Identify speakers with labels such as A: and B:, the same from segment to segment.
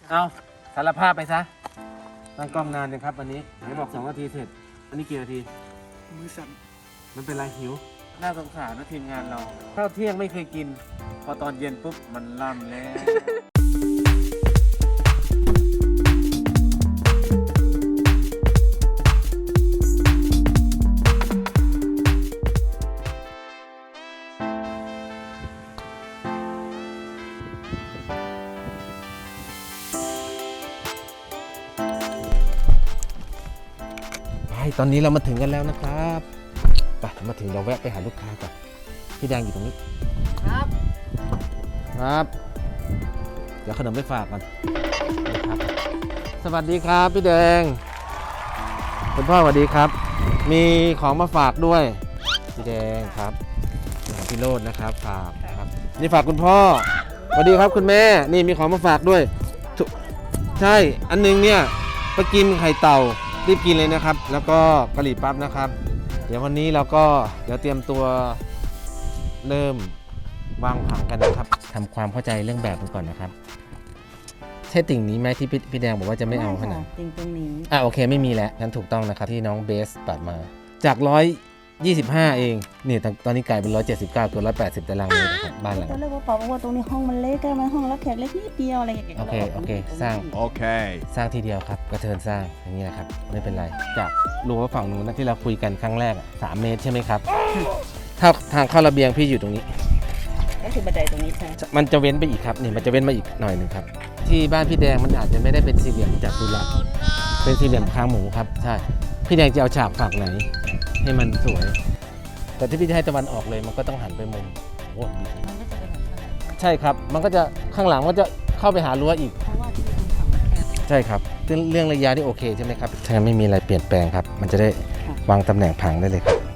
A: เอาสารภาพไปซะตั้งกล้องนานเลยครับวันนี้ไหนบอก2 นาทีเสร็จอันนี้กี่นาที
B: มือสั่น
A: มันเป็นไรหิวน่าสงสารนะทีมงานเราข้าวเที่ยงไม่เคยกินพอตอนเย็นปุ๊บมันล่ำแล้ว ตอนนี้เรามาถึงกันแล้วนะครับไปมาถึงเราแวะไปหาลูกค้าก่อนพี่แดงอยู่ตรงนี้ครับครับเดี๋ยวขนมไปฝากก่อนสวัสดีครับพี่แดงคุณพ่อสวัสดีครับมีของมาฝากด้วยพี่แดงครับพี่โรจน์นะครับฝากครับนี่ฝากคุณพ่อสวัสดีครับคุณแม่นี่มีของมาฝากด้วยใช่อันนึงเนี่ยไปกินไข่เต่ารีบกินเลยนะครับแล้วก็กะหรี่ปั๊บนะครับเดี๋ยววันนี้เราก็เตรียมตัวเริ่มวางผังกันนะครับทำความเข้าใจเรื่องแบบกันก่อนนะครับใช่ติ่งนี้ไหมที่พี่แดงบอกว่าจะไม่เอาขนาด
C: ติ่งตรงนี้
A: โอเคไม่มีแล้วงั้นถูกต้องนะครับที่น้องเบสปัดมาจาก125เองนี่ตอนนี้กลายเป็น179เกือบ180ตารางเมตรนะครับบ้านหลัง
C: ตอนแรกว่าบอกว่าตรงนี้ห้องมันเล็กมันห้องรับแขกเล็กนิดเดียวอะไรอย่างเงี้ย
A: โอเคสร้างทีเดียวครับกระเทินสร้างอย่างนี้นะครับไม่เป็นไรจากรั้วฝั่งนู้นนะที่เราคุยกันครั้งแรก3 เมตรใช่ไหมครับถ้าทางเข้าระเบียงพี่อยู่ตรงนี้
C: ก็คือบันไดตรงนี้ใช่
A: มันจะเว้นไปอีกครับนี่มันจะเว้นมาอีกหน่อยหนึ่งครับที่บ้านพี่แดงมันอาจจะไม่ได้เป็นสี่เหลี่ยมจัตุรัสเป็นสี่เหลี่ยมคางหมูครับใช่พี่แดงจะเอาฉากฝั่งไหนให้มันสวยแต่ที่พี่จะให้ตะวันออกเลยมันก็ต้องหันไปมุมโอ้ใช่ครับมันก็จะข้างหลังมันจะเข้าไปหารั้วอีก
C: เพราะว่าที่มันทำมันแคบ
A: ใช่ครับเรื่องระยะที่โอเคใช่ไหมครับถ้างั้นไม่มีอะไรเปลี่ยนแปลงครับมันจะได้วางตำแหน่งผังได้เลยครับ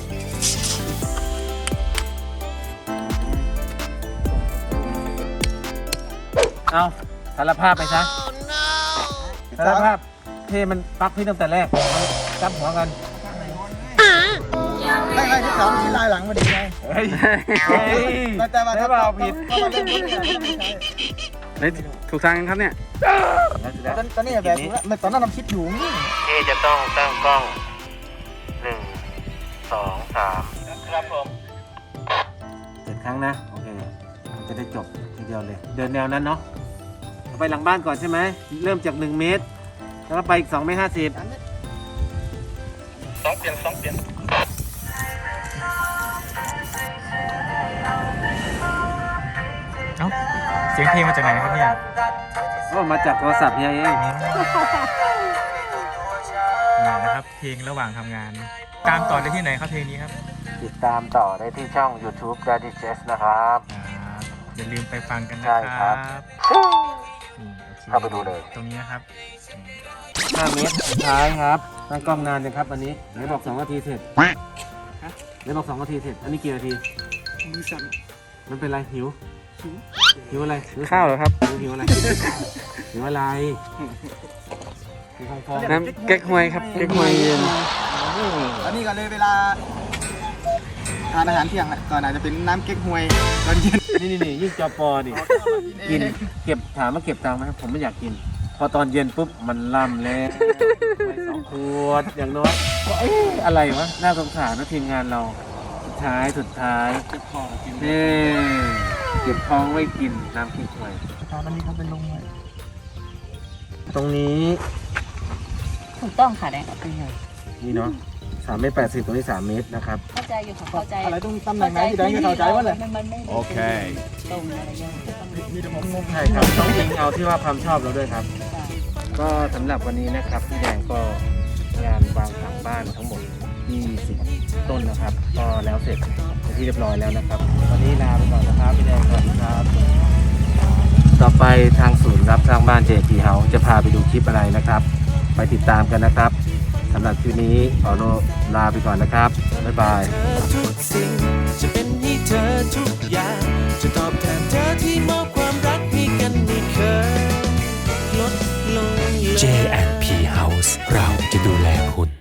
A: เอาสารภาพไปซะสารภาพเทมันปักพี่ตั้งแต่แรกจับหัวกัน
B: ไม่ที่สองที่ลายหลังมาดีไงแต่ว่าถ้าเราผิดก็มาเล่น
D: ถูกทางกันครับเนี่ย
B: ตอนนี้แบบถูกแล้วตอนนั้นเราคิดอยู่นี่
A: จะต้องตั้งกล้อง1 2 3ครับผม7 ครั้งนะโอเคจะได้จบทีเดียวเลยเดินแนวนั้นเนาะไปหลังบ้านก่อนใช่ไหมเริ่มจาก1 เมตรแล้วก็ไปอีก2 เมตร 50
D: เปลี่ยนเอ้าเสียงเพลงมาจากไหนครับเนี่ย
A: ก็มาจากโทรศัพท์เฮียเอง
D: นะครับเพลงระหว่างทำงานตามต่อได้ที่ไหนครับเพลงนี้ครับ
A: ติดตามต่อได้ที่ช่อง YouTube Daddy Jazz นะครับ
D: อย่าลืมไปฟังกันนะครับ
A: เข้าไปดูเลย
D: ตรงนี้นะครับ
A: 5 เมตรสุดท้ายครับตั้งกล้องนานเลยครับอันนี้ไหนบอก2 นาทีเสร็จไหนบอก2 นาทีเสร็จอันนี้กี่นาที
B: มือสั่น
A: มันเป็นไรหิวอะไร
D: ข้าวเหรอครับ
A: หิวอะไรหิวอะไร
D: น้ำเก๊กฮวยครับเก๊กฮวยเย็น
B: อันนี้ก็เลยเวลาทานอาหารเที่ยงก่อนอาจจะเป็นน้ำเก๊กฮวยตอนเย็น
A: นี่ยิ่งจอปอดิกินเก็บถามว่าเก็บตังค์ไหมผมไม่อยากกินพอตอนเย็นปุ๊บมันล่ำแล้ว2 ขวดอย่างน้อยอะไรวะน่าสงสารนะทีมงานเราสุดท้ายเก็บท้องกินเก็บท้องไว้กินน้ำพริกหวย
B: ตอนนี้เขาเป็นลงเลย
A: ตรงนี้
C: ถูกต้องค่ะแดงกับเป็นไง
A: นี่เนาะ3 เมตร 80ตรงนี้3 เมตรนะครับ
C: เข้าใจอยู่ค่ะเข้าใจ
B: อะไรต้องตำแหน่งไหนที่แดงจะเข้าใจว่าเลย
C: โอเคตรงอะไรอย่าง
B: มีแต่ผมงง
A: ใช่ครับต้องยิงเอาที่ว่าความชอบเราด้วยครับก็สำหรับวันนี้นะครับพี่แดงก็งานวางผังบ้านทั้งหมด20 ต้นนะครับก็แล้วเสร็จเป็นที่เรียบร้อยแล้วนะครับวันนี้ลาไปก่อนนะครับพี่แดงสวัสดีครับต่อไปทางศูนย์รับสร้างบ้าน JP House จะพาไปดูคลิปอะไรนะครับไปติดตามกันนะครับสำหรับคลิปนี้ขอลาไปก่อนนะครับบ๊ายบาย
E: ทุกสิ่งจะเป็นให้เธอทุกอย่างจะตอบแทนเธอที่มอบความรักให้กันไม่เคยลดลงเลย J&P House